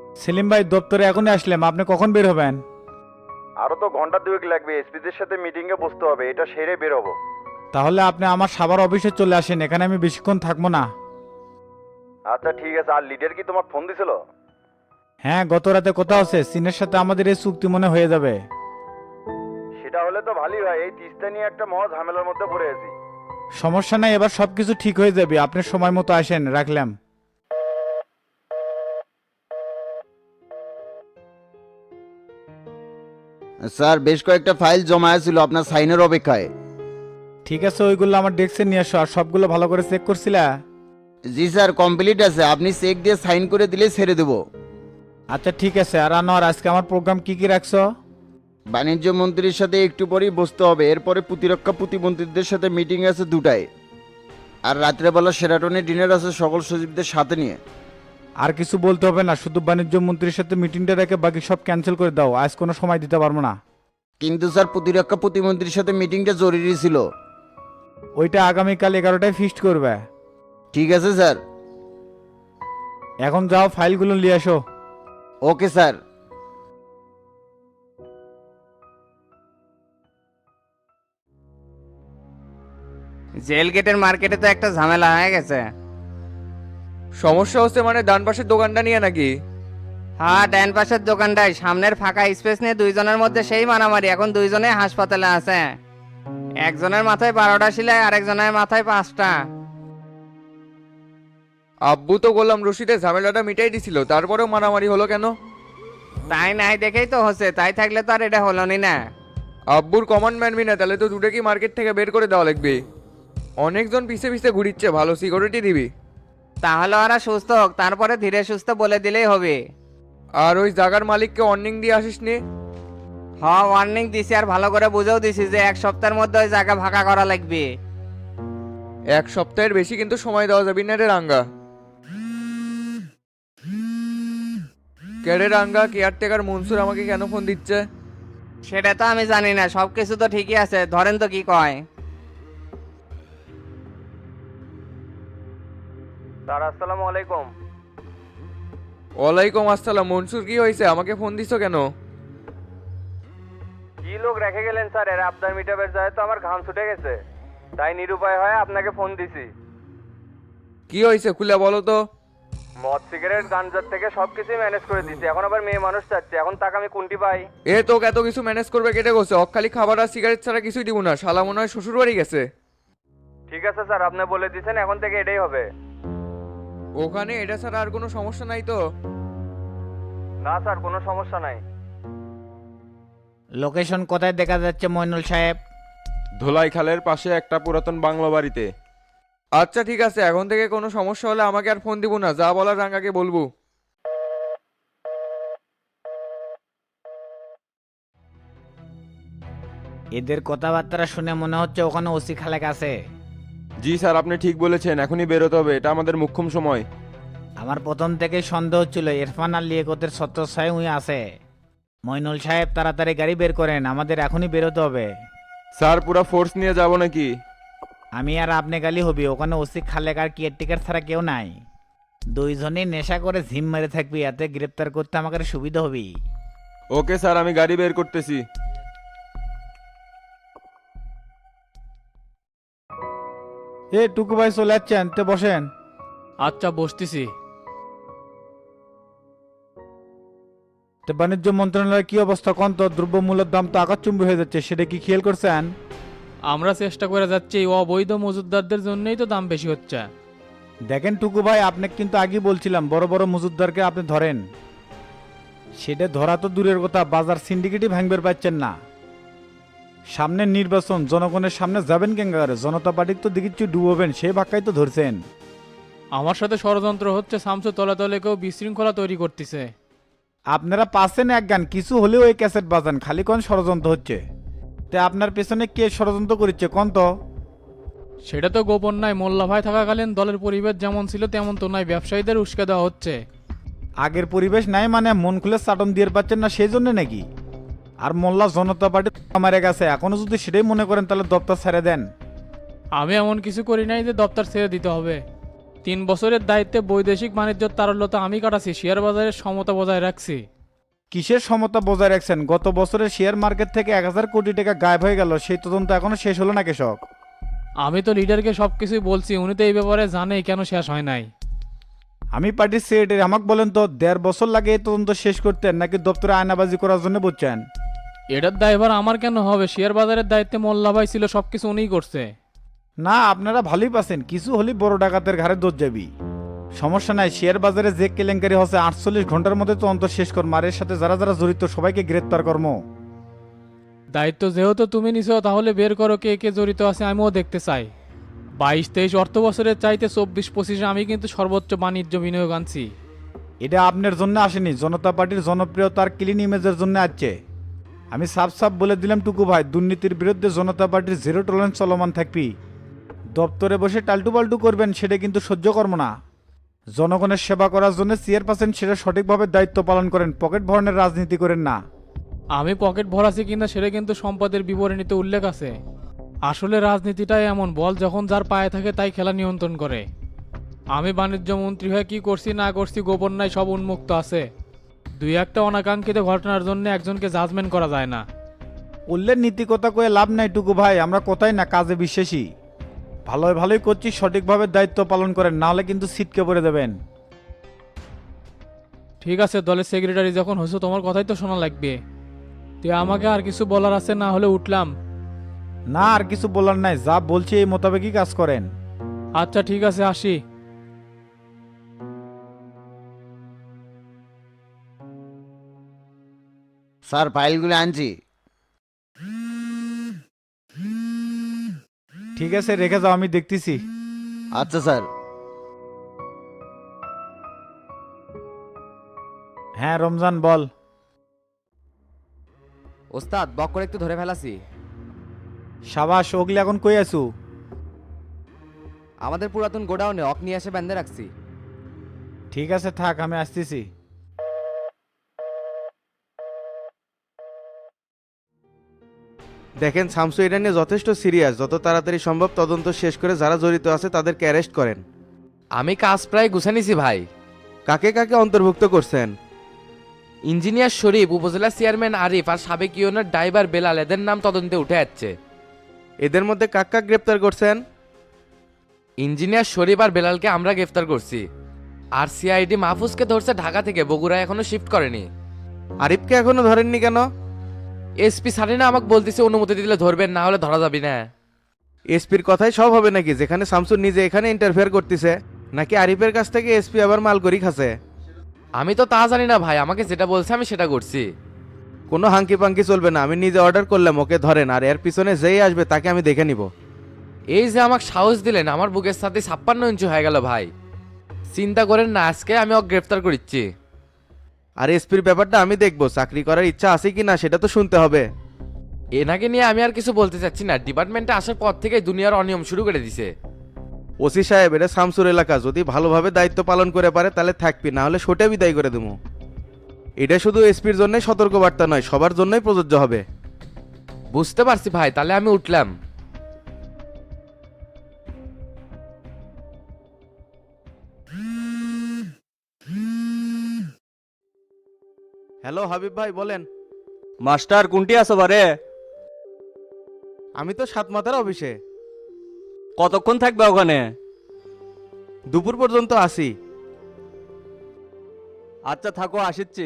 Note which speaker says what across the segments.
Speaker 1: সেলিম ভাই দপ্তরে এখনই আসলাম, আপনি কখন বের হবেন?
Speaker 2: আরো তো ঘন্টা দুয়েক লাগবে, এসপিদের সাথে মিটিং এ বসতে হবে, এটা সেরে বের হবো।
Speaker 1: তাহলে আপনি আমার সাভার অফিসে চলে আসেন, এখানে আমি বেশিক্ষণ থাকবো না।
Speaker 2: আচ্ছা ঠিক আছে, আর লিডার কি তোমার ফোন দিছিল?
Speaker 1: হ্যাঁ, গত রাতে কথা হচ্ছে, চীনের সাথে আমাদের এই চুক্তি মনে হয়ে যাবে।
Speaker 2: সেটা হলে তো ভালোই হয়, এই তিস্তা নিয়ে একটা মহা ঝামেলার মধ্যে পড়ে আছি।
Speaker 1: সমস্যা নাই, এবার সবকিছু ঠিক হয়ে যাবে, আপনি সময় মতো আসেন, রাখলাম।
Speaker 3: স্যার বেশ কয়েকটা ফাইল জমা ছিল আপনার সাইনের অপেক্ষায়।
Speaker 1: ঠিক আছে, ওইগুলো আমার ডেস্কে নিয়ে আসো, আর সবগুলো ভালো করে চেক করছিলা?
Speaker 3: জি স্যার কমপ্লিট আছে, আপনি চেক দিয়ে সাইন করে দিলে ছেড়ে দেবো।
Speaker 1: আচ্ছা ঠিক আছে। আর আনোয়ার, আজকে আমার প্রোগ্রাম কি কি রাখছো?
Speaker 3: বাণিজ্য মন্ত্রীর সাথে একটু পরেই বসতে হবে, এরপরে প্রতিরক্ষা প্রতিমন্ত্রীদের সাথে মিটিং আছে 2টায়। আর রাত্রেবেলা সেরাটনে ডিনার আছে সকল সচিবদের সাথে নিয়ে।
Speaker 1: আর কিছু বলতে হবে না, শুধু বাণিজ্য মন্ত্রীর সাথে মিটিংটা রেখে বাকি সব ক্যান্সেল করে দাও, আজ কোনো সময় দিতে পারবো না।
Speaker 3: কিন্তু স্যার প্রতিরক্ষা প্রতিমন্ত্রীর সাথে মিটিংটা জরুরি ছিল।
Speaker 1: ওইটা আগামীকাল 11টায় ফিক্সড করবে।
Speaker 3: ঠিক আছে স্যার।
Speaker 1: এখন যাও, ফাইলগুলো নিয়ে আসো।
Speaker 3: Okay sir.
Speaker 4: জেল গেটের মার্কেটে তো একটা ঝামেলা হয়ে গেছে।
Speaker 5: সমস্যা হচ্ছে মানে ডান পাশের দোকানটা নিয়ে নাকি?
Speaker 4: হ্যাঁ, ডান পাশের দোকানটায় সামনের ফাঁকা স্পেস নিয়ে দুইজনের মধ্যে সেই মারামারি, এখন দুইজনে হাসপাতালে আছে। একজনের মাথায় 12টা সেলাই, আরেকজনের মাথায় 5টা।
Speaker 5: আব্বু তো গোলাম রশিদের ঝামেলাটা মিটাই দিছিল, তারপরেও মারামারি হলো কেন?
Speaker 4: তাই নাই দেখেই তো হচ্ছে, তাই থাকলে তো আর এটা হলো নি না।
Speaker 5: আব্বুর কমান্ড মানবি না, তাহলে তো দুটো কি মার্কেট থেকে বের করে দেওয়া লাগবে। অনেকজন পিছে পিছে ঘুরিচ্ছে, ভালো সিকিউরিটি দিবি।
Speaker 4: তাহলে ওরা সুস্থ হোক, তারপরে ধীরে সুস্থ বলে দিলেই হবে।
Speaker 5: আর ওই জায়গার মালিককে ওয়ার্নিং দিয়ে আসিস নি?
Speaker 4: হ্যাঁ, ওয়ার্নিং দিছি, আর ভালো করে বুঝেও দিছি যে 1 সপ্তাহের মধ্যে ওই জায়গা ফাঁকা করা লাগবে।
Speaker 5: 1 সপ্তাহের বেশি কিন্তু সময় দেওয়া যাবে না রে রাঙ্গা। কেড়ে রাঙ্গা, কেয়ারটেকার মনসুর আমাকে কেন ফোন দিচ্ছে?
Speaker 4: সেটা তো আমি জানি না, সবকিছু তো ঠিকই আছে, ধরেন তো কি কয়।
Speaker 2: স্যার আসসালামু আলাইকুম।
Speaker 5: ওয়ালাইকুম আসসালাম। মনসুর কি হয়েছে, আমাকে ফোন দিছো কেন?
Speaker 2: কি লোক রেখে গেলেন স্যার, এর আবদার মিটাবের যায় তো আমার ঘাম ছুটে গেছে, তাই নিরুপায় হয়ে আপনাকে ফোন দিছি।
Speaker 5: কি হয়েছে খুলে বলো তো।
Speaker 2: মদ সিগারেট গাঞ্জার থেকে সবকিছুই ম্যানেজ করে দিছি, এখন আবার মেয়ে মানুষ চাচ্ছে, এখন টাকা আমি কোনটি পাই?
Speaker 5: এ তোকে এত কিছু ম্যানেজ করবে কেটে গেছে, খালি খাবার আর সিগারেট ছাড়া কিছুই দিব না। শালা মনে হয় শ্বশুর বাড়ি গেছে।
Speaker 2: ঠিক আছে স্যার, আপনি বলে দিয়েছেন, এখন থেকে এটাই হবে।
Speaker 5: ওখানে এটা ছাড়া আর কোনো সমস্যা নাই তো?
Speaker 2: না স্যার, কোনো সমস্যা নাই।
Speaker 1: লোকেশন কোথায় দেখা যাচ্ছে মইনুল সাহেব?
Speaker 6: ধোলাইখালের পাশে একটা পুরাতন বাংলো বাড়িতে।
Speaker 5: আচ্ছা ঠিক আছে, এখন থেকে কোনো সমস্যা হলে আমাকে আর ফোন দিব না, যা বলার রাঙ্গাকে বলবো।
Speaker 1: এদের কথাবার্তা শুনে মনে হচ্ছে ওখানে ওসি খালেক আছে।
Speaker 6: জি স্যার, আপনি ঠিক বলেছেন, এখনই বেরোতে হবে, এটা আমাদের মুখ্যম সময়।
Speaker 1: আমার প্রথম থেকেই সন্দেহ ছিল ইরফান আর লিয়াকতের ছত্রছায়ায় উই আছে। মইনুল সাহেব তাড়াতাড়ি গাড়ি বের করেন, আমাদের এখনই বেরোতে হবে।
Speaker 6: স্যার পুরা ফোর্স নিয়ে যাব নাকি?
Speaker 1: আমি আর আপনি গালি হবি, ওখানে ওসি খালেক আর কেয়ারটেকার ছাড়া কেউ নাই। দুইজনেই নেশা করে ঝিম মেরে থাকবি, এতে গ্রেপ্তার করতে আমাকে সুবিধা হবি।
Speaker 6: ওকে স্যার, আমি গাড়ি বের করতেছি।
Speaker 1: এ টুকু ভাই চলে যাচ্ছেন, তে বসেন।
Speaker 7: আচ্ছা বসতেছি।
Speaker 1: তে বাণিজ্য মন্ত্রণালয়ের কি অবস্থা কোন তো? দ্রব্যমূল্যের দাম তো আকাশচুম্বী হয়ে যাচ্ছে, সেটা কি খেয়াল করছেন?
Speaker 7: আমরা চেষ্টা করে যাচ্ছি, এই অবৈধ মজুদদারদের জন্যই তো দাম বেশি হচ্ছে।
Speaker 1: দেখেন টুকু ভাই, আপনাকে কিন্তু আগে বলছিলাম বড় বড় মজুদদারকে আপনি ধরেন। সেটা ধরা তো দূরের কথা, বাজার সিন্ডিকেটই ভাঙবের পাচ্ছেন না। সামনে নির্বাচন, জনগণের সামনে যাবেন কেঙ্গারে, জনতা পার্টির তো দেখিচ্ছি ডুবোবেন, সেই ভাক্কাই তো ধরছেন।
Speaker 7: আমার সাথে ষড়যন্ত্র হচ্ছে, শামসু তলে তলে কেউ বিশৃঙ্খলা তৈরি করতেছে।
Speaker 1: আপনারা পাচ্ছেন এক গান, কিছু হলেও ওই ক্যাসেট বাজান, খালি কোন ষড়যন্ত্র হচ্ছে। তে আপনার পেছনে কে ষড়যন্ত্র করছে কোন তো?
Speaker 7: সেটা তো গোপন নাই, মোল্লা ভাই থাকাকালীন দলের পরিবেশ যেমন ছিল তেমন তো নাই, ব্যবসায়ীদের উস্কে দেওয়া হচ্ছে।
Speaker 1: আগের পরিবেশ নাই মানে মন খুলে চাটন দিয়ে পাচ্ছেন না সেই জন্য নাকি? আর মোল্লা জনতা পার্টি মারে গেছে, এখনো যদি সেটাই মনে করেন তাহলে দপ্তর ছেড়ে দেন।
Speaker 7: আমি এমন কিছু করি নাই যে দপ্তর ছেড়ে দিতে হবে। 3 বছরের দায়িত্বে বৈদেশিক বাণিজ্যের তারল্যতা আমি কাটাছি, শেয়ার বাজারের সমতা বজায় রাখছি।
Speaker 1: কিসের সমতা বজায় রাখছেন? গত বছরের শেয়ার মার্কেট থেকে 1000 কোটি টাকা গায়েব হয়ে গেল, সেই তদন্ত এখনো শেষ হলো না কৃষক?
Speaker 7: আমি তো লিডারকে সব কিছুই বলছি, উনি তো এই ব্যাপারে জানেই কেন শেষ হয় নাই।
Speaker 1: আমি পার্টির সেক্রেটারি, আমাকে বলেন তো 1.5 বছর লাগে এই তদন্ত শেষ করতে, নাকি দপ্তরে আয়নাবাজি করার জন্য বুঝছেন?
Speaker 7: এটার দায়ভার আমার কেন হবে? শেয়ার বাজারের দায়িত্বে মোল্লা ভাই ছিল, সব কিছু উনিই করছে।
Speaker 1: না, আপনারা ভালোই পাচ্ছেন, কিছু হলেই বড় ডাকাতের ঘাড়ে দোষ যাবি। সমস্যা নাই, শেয়ার বাজারে যে কেলেঙ্কারি হচ্ছে 48 ঘন্টার মধ্যে তদন্ত শেষ কর, মারের সাথে যারা যারা জড়িত সবাইকে গ্রেপ্তার কর্ম।
Speaker 7: দায়িত্ব যেহেতু তুমি নিছো, তাহলে বের করো কে কে জড়িত আছে, আমিও দেখতে চাই। 22-23 অর্থ বছরের চাইতে 24-25 আমি কিন্তু সর্বোচ্চ বাণিজ্য বিনিয়োগ আনছি।
Speaker 1: এটা আপনার জন্য আসেনি, জনতা পার্টির জনপ্রিয়তার ক্লিন ইমেজের জন্য আসছে। আমি সাফ সাফ বলে দিলাম টুকু ভাই, দুর্নীতির বিরুদ্ধে জনতা পার্টির জিরো টলারেন্স চলমান থাকবি। দপ্তরে বসে টালটু পাল্টু করবেন, সেটা কিন্তু সহ্য কর্ম না। জনগণের সেবা করার জন্য চেয়ারপারসন সেটা সঠিকভাবে দায়িত্ব পালন করেন, পকেট ভরণের রাজনীতি করেন না।
Speaker 7: আমি পকেট ভরাছি কিনা সেটা কিন্তু সম্পদের বিবরণীতে উল্লেখ আছে। আসলে রাজনীতিটাই এমন, বল যখন যার পায়ে থাকে তাই খেলা নিয়ন্ত্রণ করে। আমি বাণিজ্য মন্ত্রী হয়ে কি করছি না করছি গোপন নাই, সব উন্মুক্ত আছে। 2-1টা অনাকাঙ্ক্ষিত ঘটনার জন্য একজনকে জাজমেন্ট করা যায় না।
Speaker 1: উল্লের নীতি কথা কয়ে লাভ নাই টুকু ভাই, আমরা কোথায় না কাজে বিশ্বাসী। ভালোই ভালোই করছি, সঠিকভাবে দায়িত্ব পালন করেন, নাহলে কিন্তু ছিটকে পড়ে দেবেন।
Speaker 7: ঠিক আছে, দলের সেক্রেটারি যখন হয়েছো তোমার কথাই তো শোনা লাগবে। তুই আমাকে আর কিছু বলার আছে? না হলে উঠলাম।
Speaker 1: না, আর কিছু বলার নাই, যা বলছি এই মোতাবেকই কাজ করেন।
Speaker 7: আচ্ছা ঠিক আছে, আসি।
Speaker 3: স্যার ফাইলগুলো আনছি।
Speaker 1: ঠিক আছে, রেখে যাও, আমি দেখতেছি।
Speaker 3: আচ্ছা স্যার।
Speaker 1: হ্যাঁ রমজান বল।
Speaker 8: ওস্তাদ বক করে একটু ধরে ফেলাছি।
Speaker 1: সাবাস, ওগলি এখন কই আছু?
Speaker 8: আমাদের পুরাতন গোডাউনে অক নিয়ে এসে বেঁধে রাখছি।
Speaker 1: ঠিক আছে থাক, আমি আসতেছি।
Speaker 9: দেখেন শামসু এটা নিয়ে যথেষ্ট সিরিয়াস, যত তাড়াতাড়ি সম্ভব তদন্ত শেষ করে যারা জড়িত আছে তাদেরকে অ্যারেস্ট করেন।
Speaker 8: আমি কাজ প্রায় গুছে নিছি ভাই।
Speaker 9: কাকে কাকে অন্তর্ভুক্ত করছেন?
Speaker 8: ইঞ্জিনিয়ার শরীফ, উপজেলা চেয়ারম্যান আরিফ আর সাবেক ইউনিয়নের ড্রাইভার বেলাল, এদের নাম তদন্তে উঠে যাচ্ছে।
Speaker 9: এদের মধ্যে কাক কাক গ্রেপ্তার করছেন?
Speaker 8: ইঞ্জিনিয়ার শরীফ আর বেলালকে আমরা গ্রেফতার করছি। আর সিআইডি মাহফুজকে ধরছে ঢাকা থেকে, বগুড়া এখনো শিফট করেনি।
Speaker 9: আরিফকে এখনো ধরেননি কেন?
Speaker 8: এসপি সারিনা আমাকে বলতেছে অনুমতি দিলে ধরবেন, না হলে ধরা যাবে না।
Speaker 9: এসপির কথাই সব হবে নাকি, যেখানে শামসুর নিজে এখানে ইন্টারফেয়ার করতেছে? নাকি আরিফের কাছ থেকে এসপি আবার মাল করি খাচ্ছে?
Speaker 8: আমি তো তা জানি না ভাই, আমাকে যেটা বলছে আমি সেটা করছি।
Speaker 9: কোনো হাঙ্কি পাঙ্কি চলবে না, আমি নিজে অর্ডার করলাম ওকে ধরেন, আর এর পিছনে যেই আসবে তাকে আমি দেখে নিব।
Speaker 8: এই যে আমাকে সাহস দিলেন, আমার বুকের সাথে 56 ইঞ্চি হয়ে গেল ভাই। চিন্তা করেন না, আজকে আমি ওকে গ্রেফতার করিচ্ছি।
Speaker 9: আর এসপির ব্যাপারটা আমি দেখবো, চাকরি করার ইচ্ছা আছে কি না সেটা তো শুনতে হবে।
Speaker 8: এনাকে নিয়ে আমি আর কিছু বলতে চাচ্ছি না, ডিপার্টমেন্টে আসার পর থেকে দুনিয়ার অনিয়ম শুরু করে দিছে।
Speaker 9: ওসি সাহেব, এটা শামসুর এলাকা, যদি ভালোভাবে দায়িত্ব পালন করে পারে তাহলে থাকবি, না হলে সোটে বিদায় করে দেবো। এটা শুধু এসপির জন্যই সতর্কবার্তা নয়, সবার জন্যই প্রযোজ্য হবে।
Speaker 8: বুঝতে পারছি ভাই, তাহলে আমি উঠলাম।
Speaker 9: হ্যালো হাবিব ভাই, বলেন।
Speaker 6: মাস্টার কোনটি আছো বারে?
Speaker 9: আমি তো সাত মাথার অফিসে।
Speaker 6: কতক্ষণ থাকবে ওখানে?
Speaker 9: দুপুর পর্যন্ত আসি।
Speaker 6: আচ্ছা থাকো, আসিচ্ছি।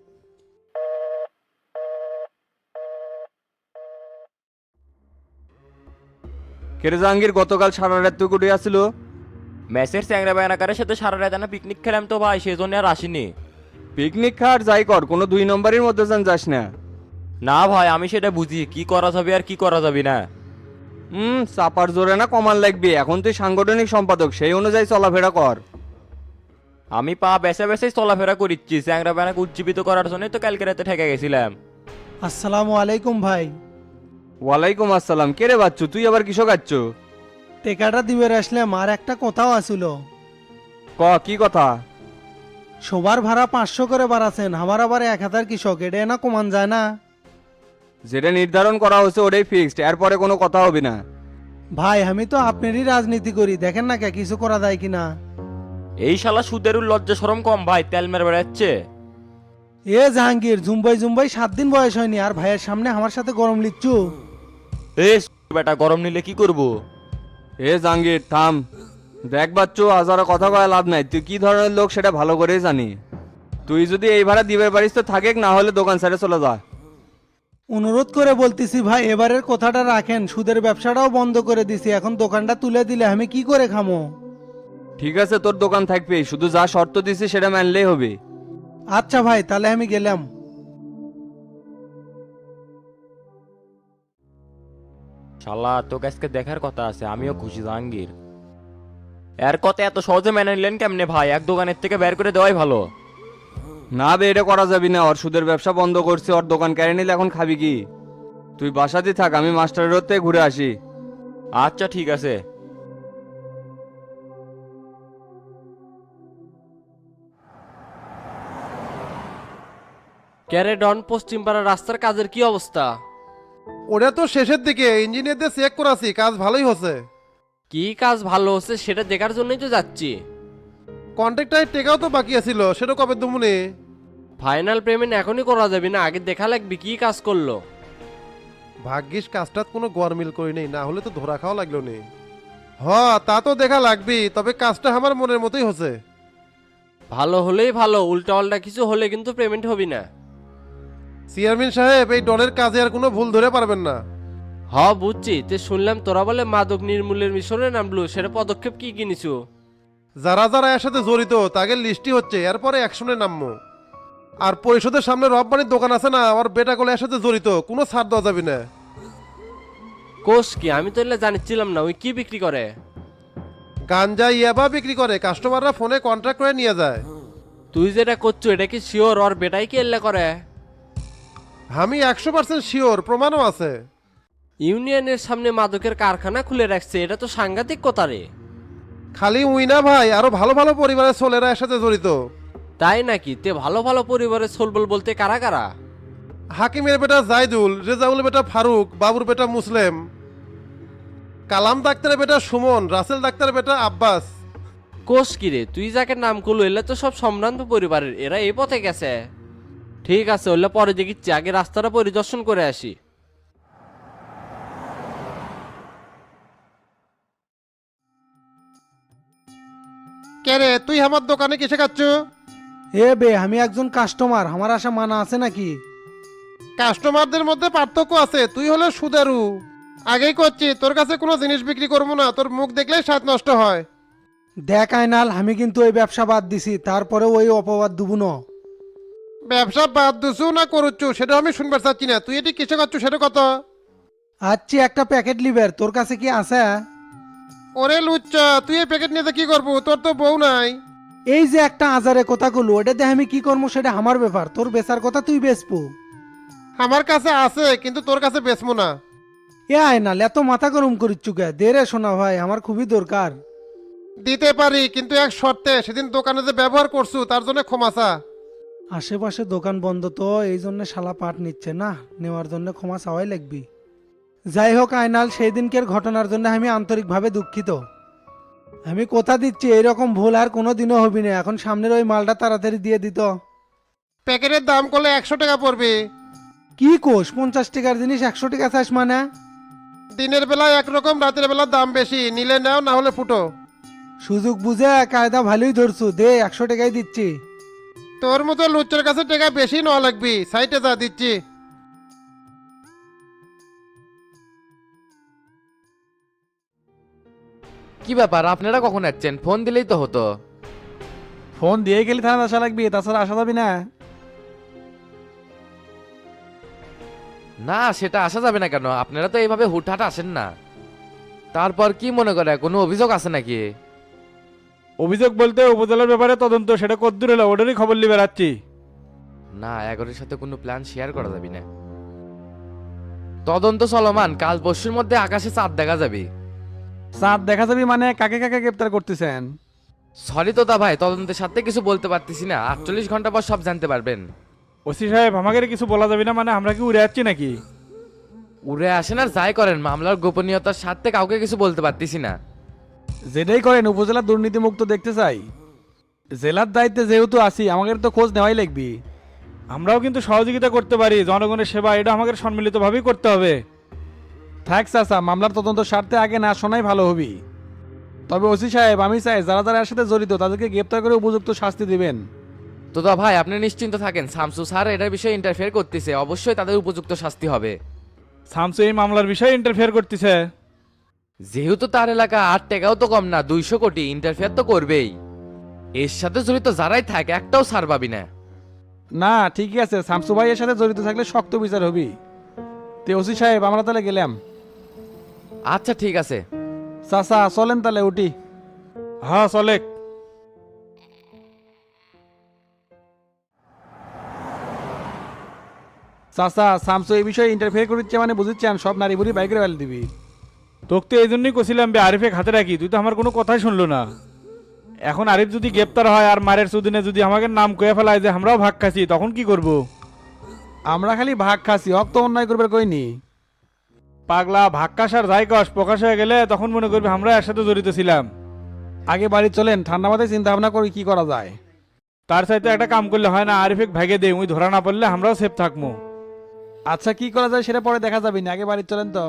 Speaker 6: কেরে জাহাঙ্গীর, গতকাল সারা রাত তুই কুটি আসছিল?
Speaker 10: ম্যাচের চ্যাংরা বায়নাকারের সাথে সারা রাত না পিকনিক খেলাম তো ভাই, সেই জন্য আর আসিনি।
Speaker 6: পিকনিক খাওয়ার যাই কর, কোনো 2 নম্বরের মধ্যে যাস না।
Speaker 10: না ভাই, আমি সেটা বুঝি কি করা যাবে আর কি করা যাবে না।
Speaker 6: চাপার জোরে না কমান লাগবে, এখন তুই সাংগঠনিক সম্পাদক, সেই অনুযায়ী চলাফেরা কর।
Speaker 10: আমি পা বেসে বেসেই চলাফেরা করিচ্ছি, চ্যাংরা বায়নাকে উজ্জীবিত করার জন্যই তো কালকে রাতে ঠেকে গেছিলাম।
Speaker 11: আসসালামু আলাইকুম ভাই।
Speaker 6: ওয়ালাইকুম আসসালাম। কে রে বাচ্চু, তুই আবার কিসব খাচ্ছ?
Speaker 11: টেকাটা দিবে আসলাম, আর একটা কথাও আসিল।
Speaker 6: কি কথা?
Speaker 11: সবার ভাড়া 500 করে বাড়াছেন, আমার আবার 1000 কৃষক, এটা না কমান যায় না?
Speaker 6: যেটা নির্ধারণ করা হয়েছে ওটাই ফিক্সড, এরপরে কোনো কথা হবে না।
Speaker 11: ভাই আমি তো আপনারই রাজনীতি করি, দেখেন না কে কিছু করা যায় কিনা।
Speaker 10: এই শালা সুদেরও লজ্জা শরম কম ভাই, তেল মেরে বেড়াচ্ছে।
Speaker 11: এ জাহাঙ্গীর, জুম্বাই জুম্বাই 7 দিন বয়স হয়নি আর ভাইয়ের সামনে আমার সাথে গরম লিচ্ছু।
Speaker 10: এ বেটা গরম নিলে কি করব?
Speaker 6: এ জাহাঙ্গীর থাম, দেখ বাচ্চু আজ আর কথা কয়ে লাভ নাই, তুই কি ধরনের লোক সেটা ভালো করেই জানি। তুই যদি এই ভাড়া দিবে পারিস তো থাকেক, না হলে দোকান ছেড়ে চলে যা।
Speaker 11: অনুরোধ করে বলতেছি ভাই, এবারের কথাটা রাখেন, সুদের ব্যবসাটাও বন্ধ করে দিছি, এখন দোকানটা তুলে দিলে আমি কি করে খামো?
Speaker 6: ঠিক আছে তোর দোকান থাকবে, শুধু যা শর্ত দিছি সেটা মানলেই হবে।
Speaker 11: আচ্ছা ভাই, তাহলে আমি গেলাম।
Speaker 10: শালা তোকে আজকে দেখার কথা আছে, আমিও খুশি জাহাঙ্গীর। এর কথা এত সহজে মেনে নিলেন কেমনে ভাই? এক দোকানের থেকে বের করে দেওয়াই ভালো।
Speaker 6: না বে, এটা করা যাবি না, ওর সুদের ব্যবসা বন্ধ করছে, ওর দোকান কেড়ে নিলে এখন খাবি কি? তুই বাসাতে থাক, আমি মাস্টারের রোডতে ঘুরে আসি।
Speaker 10: আচ্ছা ঠিক আছে।
Speaker 12: ক্যারে ডন, পশ্চিম পাড়ার রাস্তার কাজের কি অবস্থা?
Speaker 13: ওটা তো শেষের দিকে, ইঞ্জিনিয়ারদের চেক করাছি, কাজ ভালোই হচ্ছে।
Speaker 12: কি কাজ ভালো হচ্ছে সেটা দেখার জন্যই তো যাচ্ছি।
Speaker 13: কন্ট্রাক্টারের টেকাও তো বাকি আছিল, সেটা কবে দুমুনি?
Speaker 12: ফাইনাল পেমেন্ট এখনই করা যাবে না, আগে দেখা লাগবে কি কাজ করলো।
Speaker 13: ভাগ্যিস কাজটা কোনো গরমিল করি নেই, না হলে তো ধরা খাওয়া লাগলো নি। হ, তা তো দেখা লাগবি, তবে কাজটা আমার মনের মতোই হচ্ছে।
Speaker 12: ভালো হলেই ভালো, উল্টা পাল্টা কিছু হলে কিন্তু পেমেন্ট হবে না।
Speaker 13: চেয়ারম্যান সাহেব, এই ডনের কাজে আর কোনো ভুল ধরে পারবেন না।
Speaker 12: হ বুঝছি, তে শুনলাম তোরা বলে মাদক নির্মূলের মিশনে নামলো, সেটা পদক্ষেপ কি কিনিছো?
Speaker 13: যারা যারা এর সাথে জড়িত তাদের লিস্টই হচ্ছে, এরপরে অ্যাকশনে নামবো। আর পরিষদের সামনে রব্বানির দোকান আছে না, আমার বেটা গুলো এর সাথে জড়িত, কোনো ছাড় দেওয়া যাবে না।
Speaker 12: কোষ কি? আমি তো এলে জানিছিলাম না, ওই কি বিক্রি করে?
Speaker 13: গাঞ্জা ইয়াবা বিক্রি করে, কাস্টমাররা ফোনে কন্ট্রাক্ট করে নিয়ে যায়।
Speaker 12: তুই যেটা করছো এটা কি শিওর ওর বেটাই কি এলে করে?
Speaker 13: আমি 100% শিওর, প্রমাণও আছে।
Speaker 12: ইউনিয়নের সামনে মাদকের কারখানা খুলে রাখছে, এটা তো সাংঘাতিক কথা রে।
Speaker 13: খালি উই না ভাই, আরো ভালো ভালো পরিবারের ছেলেরা এর সাথে জড়িত।
Speaker 12: তাই নাকি? তে ভালো ভালো পরিবারের সোলবল বলতে কারা কারা?
Speaker 13: হাকিমের বেটা জাইদুল, রেজাউল বেটা ফারুক, বাবুর বেটা মুসলিম, কালাম ডাক্তারের বেটা সুমন, রাসেল ডাক্তারের বেটা আব্বাস।
Speaker 12: কোষ কি রে? তুই যাকে নাম করলো এলে তো সব সম্ভ্রান্ত পরিবারের, এরা এই পথে গেছে। ঠিক আছে, ওলে পরে দেখিচ্ছি, আগে রাস্তাটা পরিদর্শন করে আসি।
Speaker 13: কে রে, তুই আমার দোকানে কিসে খাচ্ছ?
Speaker 11: এ বে, আমি একজন কাস্টমার, আমার আশা মানা আছে নাকি?
Speaker 13: কাস্টমারদের মধ্যে পার্থক্য আছে, তুই হলো সুদারু। আগেই করছি, তোর কাছে কোনো জিনিস বিক্রি করবো না, তোর মুখ দেখলেই স্বাদ নষ্ট হয়।
Speaker 11: দেখ আইনাল, আমি কিন্তু ওই ব্যবসা বাদ দিছি, তারপরে ওই অপবাদ দুবু ন।
Speaker 13: ব্যবসা বাদ দিছু না করুচ্ছু সেটা আমি শুনবার চাচ্ছি না, তুই এটি কিসে খাচ্ছ সেটা কত?
Speaker 11: আচ্ছা, একটা প্যাকেট লিবের, তোর কাছে কি আছে?
Speaker 13: ওরে লুচ্চা, তুই এই প্যাকেট নিয়ে কি করবো? তোর তো বউ নাই।
Speaker 11: এই যে একটা আজারে কথা কলু, ওটা দিয়ে আমি কি করবো সেটা আমার ব্যাপার, তোর বেচার কথা তুই বেচবো।
Speaker 13: আমার কাছে আছে, কিন্তু তোর কাছে বেচবো না।
Speaker 11: এ আয়নাল, এত মাথা গরম করিচ্ছু কে? দে রে শোনা ভাই, আমার খুবই দরকার।
Speaker 13: দিতে পারি, কিন্তু এক শর্তে, সেদিন দোকানে যে ব্যবহার করছু তার জন্য ক্ষমা চা।
Speaker 11: আশেপাশে দোকান বন্ধ তো, এই জন্য শালা পাট নিচ্ছে না, নেওয়ার জন্য ক্ষমা চাওয়াই লাগবি। যাই হোক আয়নাল, সেই দিনকের ঘটনার জন্য আমি আন্তরিকভাবে দুঃখিত। আমি কথা দিচ্ছি এইরকম ভুল আর কোনো দিনও হবি না, এখন সামনের ওই মালটা তাড়াতাড়ি দিয়ে দিত।
Speaker 13: প্যাকেটের দাম করলে 100 টাকা পড়বে।
Speaker 11: কি কোষ, 50 টাকার জিনিস 100 টাকা চাস মানে?
Speaker 13: দিনের বেলায় একরকম, রাতের বেলা দাম বেশি, নিলে নাও না হলে ফুটো।
Speaker 11: সুযোগ বুঝে কায়দা ভালোই ধরছু, দে 100 টাকাই দিচ্ছি।
Speaker 13: তোর মতো লুচ্চার কাছে টাকা বেশি নেওয়া লাগবি, সাইটে যা দিচ্ছি।
Speaker 8: কি ব্যাপার, আপনারা কখন যাচ্ছেন? ফোন দিলেই তো হতো।
Speaker 1: ফোন দিয়ে গেলে থানা আসা লাগবে, তাছাড়া আসা যাবি না।
Speaker 8: না সেটা আসা যাবে না কেন? আপনারা তো এইভাবে হুটহাট আসেন না। তারপর কি মনে করে, কোনো অভিযোগ আছে নাকি?
Speaker 1: অভিযোগ বলতে উপজেলার ব্যাপারে তদন্ত, সেটা কদ্দূর হলো ওটারই খবর নিয়ে বেড়াচ্ছি।
Speaker 8: না, এগারোর সাথে কোনো প্ল্যান শেয়ার করা যাবে না। তদন্ত চলমান, কাল পরশুর মধ্যে আকাশে চাঁদ দেখা যাবে।
Speaker 1: চাঁদ দেখা যাবি মানে? কাকে কাকে গ্রেপ্তার করতেছেন?
Speaker 8: সরি তোতা ভাই, তদন্তের সাথে কিছু বলতে পারতেছি না, 48 ঘন্টা পর সব জানতে পারবেন।
Speaker 1: ওসি সাহেব, আমাকে কিছু বলা যাবে না মানে? আমরা কি উড়ে যাচ্ছি নাকি?
Speaker 8: উড়ে আসেন আর যাই করেন, মামলার গোপনীয়তার সাথে কাউকে কিছু বলতে পারতেছি না।
Speaker 1: যেটাই করেন উপজেলা দুর্নীতিমুক্ত দেখতে চাই। জেলার দায়িত্বে যেহেতু আছি আমাদের তো খোঁজ নেওয়াই লাগবে। আমরাও কিন্তু সহযোগিতা করতে পারি, জনগণের সেবা এটা আমাদের সম্মিলিতভাবেই করতে হবে। থাক চাচা, মামলার তদন্ত স্বার্থে আগে না শোনাই ভালো হবে। তবে ওসি সাহেব, আমি চাই যারা যারা এর সাথে জড়িত তাদেরকে গ্রেপ্তার করে উপযুক্ত শাস্তি দিবেন।
Speaker 8: তো ভাই আপনি নিশ্চিন্ত থাকেন, শামসু স্যার এটার বিষয়ে ইন্টারফেয়ার করতেছে, অবশ্যই তাদের উপযুক্ত শাস্তি হবে।
Speaker 1: শামসু এই মামলার বিষয়ে ইন্টারফেয়ার করতেছে?
Speaker 8: যেহেতু তার এলাকা 8 টাকাও তো কম না, 200 কোটি, ইন্টারফেয়ার তো করবেই। এর সাথে জড়িত যারাই থাকে একটাও ছাড় পাবি না।
Speaker 1: না ঠিকই আছে, শামসু ভাই এর সাথে জড়িত থাকলে শক্ত বিচার হবে। তে ওসি সাহেব, আমরা তাহলে গেলাম।
Speaker 8: আচ্ছা ঠিক আছে
Speaker 1: চাচা চলেন তাহলে, উঠি। হ্যাঁ চলে। চাচা, শামসু এই বিষয়ে ইন্টারফেয়ার করছে মানে বুঝছেন, সব নারী বুড়ি বাইকের বেল দিবি। তোকে তো এই জন্যই কছিলাম বে আরিফে হাতে রাখি, তুই তো আমার কোনো কথাই শুনলো না। এখন আরিফ যদি গ্রেপ্তার হয় আর মারের সুদিনে যদি আমাকে নাম কয়ে ফেলায় যে আমরাও ভাগ খাচ্ছি, তখন কি করব? আমরা খালি ভাগ খাচ্ছি, হক তো অন্যায় করবে কইনি। পাগলা, ভাগ খাস আর যাই কস, প্রকাশ হয়ে গেলে তখন মনে করবি আমরা এর সাথে জড়িত ছিলাম। আগে বাড়ি চলেন, ঠান্ডা মাথায় চিন্তা ভাবনা করি কি করা যায়। তার সাথে একটা কাম করলে হয় না, আরিফে ভাগে দে, ওই ধরা না পড়লে আমরাও সেফ থাকবো। আচ্ছা কি করা যায় সেটা পরে দেখা যাবে না, আগে বাড়ি চলেন তো।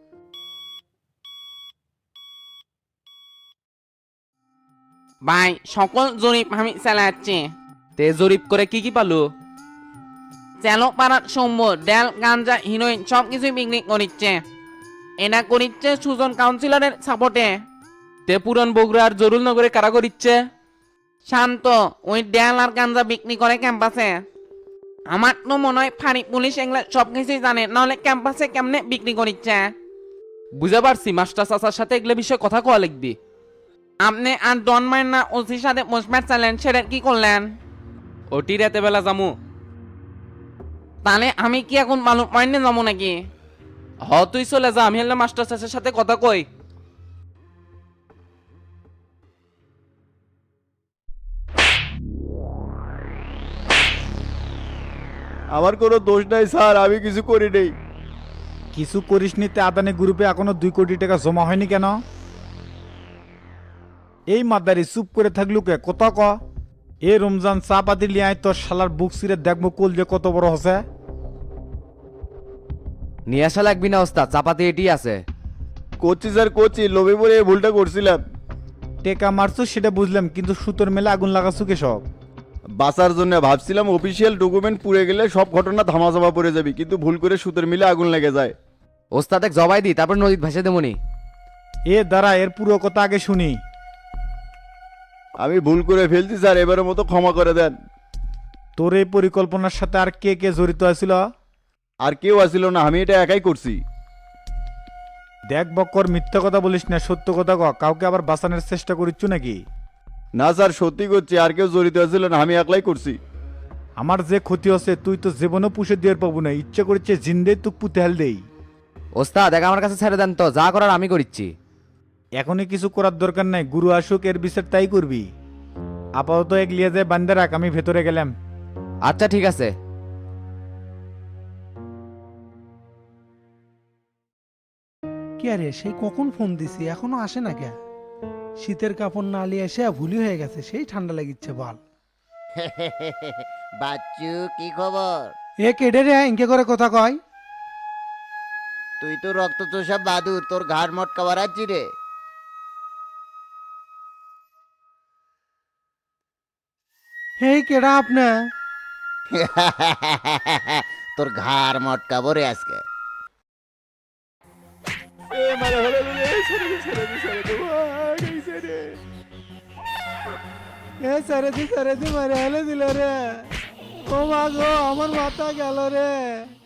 Speaker 4: ভাই সকল জরিপ আমি চালাচ্ছি। তে জরিপ করে কি কি পালু? চালো পাড়ার সৌম্য ডেল গাঞ্জা হিরোইন সব কিছুই বিক্রি করিচ্ছে। এটা করিচ্ছে সুজন কাউন্সিলরের সাপোর্টে। তে পুরন বগুড়ার জরুল নগরে কারা করিচ্ছে? শান্ত ওই ডেল আর গাঞ্জা বিক্রি করে ক্যাম্পাসে। আমার তো মনে হয় ফাঁড়ি পুলিশ এগুলো সব কিছুই জানে, নাহলে ক্যাম্পাসে কেমনে বিক্রি করিচ্ছে।
Speaker 8: বুঝতে পারছি, মাস্টার চাচার সাথে এগুলো বিষয়ে কথা কওয়া লিখবি।
Speaker 4: আপনি আর ডন মাইন না ওসির সাথে পোস্টম্যাট চাইলেন, সেটা কি করলেন?
Speaker 8: ওটি রাতে বেলা যামু।
Speaker 4: তাহলে আমি কি এখন বালু পয়েন্টে যাবো নাকি?
Speaker 8: তুই চলে যা, আমি হলে মাস্টার চাচার সাথে কথা কই।
Speaker 3: আমার কোনো দোষ নাই স্যার, আমি কিছু করি নেই।
Speaker 1: কিছু করিস নিতে আদানি গ্রুপে এখনো 2 কোটি টাকা জমা হয়নি কেন? এই মাদারি চুপ করে থাকলু কে, কত ক। এ রমজান চা পাতি লিয়াই তোর শালার বুক সিরে দেখবো কোল যে কত বড় হসে।
Speaker 8: নিয়ে আসা লাগবি না ওস্তাদ, চাপাতি এটি আছে।
Speaker 3: করছি স্যার করছি, লোভে পড়ে এই ভুলটা করছিলাম।
Speaker 1: টেকা মারছো সেটা বুঝলাম, কিন্তু সুতোর মেলে আগুন লাগাচ্ছু কে সব?
Speaker 3: বাঁচার জন্য ভাবছিলাম অফিসিয়াল ডকুমেন্ট পুড়ে গেলে সব ঘটনা ধামাচাপা পড়ে যাবে, কিন্তু ভুল করে সুতোর মিলে আগুন লেগে যায়।
Speaker 8: ওস্তাদ এক জবাই দি, তারপর নদীত ভেসে দেবনি।
Speaker 1: এ দাঁড়া, এর পুরো কথা আগে শুনি।
Speaker 3: আমি ভুল করে ফেলছি স্যার, এবারের মতো ক্ষমা করে দেন।
Speaker 1: তোর এই পরিকল্পনার সাথে আর কে কে জড়িত আছিল?
Speaker 3: আর কেউ আসিল না, আমি এটা একাই করছি।
Speaker 1: দেখ বক্কর, মিথ্যা কথা বলিস না, সত্য কথা ক। কাউকে আবার বাঁচানোর চেষ্টা করিচ্ছু নাকি?
Speaker 3: না স্যার সত্যি করছি, আর কেউ জড়িত আছিল না, আমি একলাই করছি।
Speaker 1: আমার যে ক্ষতি হচ্ছে তুই তো জীবনও পুষে দিয়ে পাবো না, ইচ্ছে করছে জিন্দে তুক পুঁতে হেল দেই।
Speaker 8: ওস্তাদ এক আমার কাছে ছেড়ে দেন তো, যা করার আমি করিচ্ছি।
Speaker 1: এখনই কিছু করার দরকার নাই, গুরু আসুক এর বিচার তাই করবি। আপাতত এক লিয়ে যায় বান্দে রাখ, আমি ভেতরে গেলাম।
Speaker 8: আচ্ছা ঠিক আছে।
Speaker 11: কি আরে, সেই কখন ফোন দিছি এখনো আসে না কে? শীতের কাপড় না নিয়ে এসে ভুলি হয়ে গেছে, সেই ঠান্ডা লাগিচ্ছে বল।
Speaker 3: বাচ্চু কি খবর?
Speaker 11: এ কেডে রে, ইনকে করে কথা কয়?
Speaker 3: তুই তো রক্ত চোষা বাদুর, তোর ঘাড় মটকা বাড়াচ্ছি রে।
Speaker 11: হেই কেডা আপনি?
Speaker 3: তোর ঘাড় মটকাবো রে আজকে।
Speaker 11: এ সারে দি মারে হেলে দিল রে। ও মা গো, আমার মাথা গেল রে।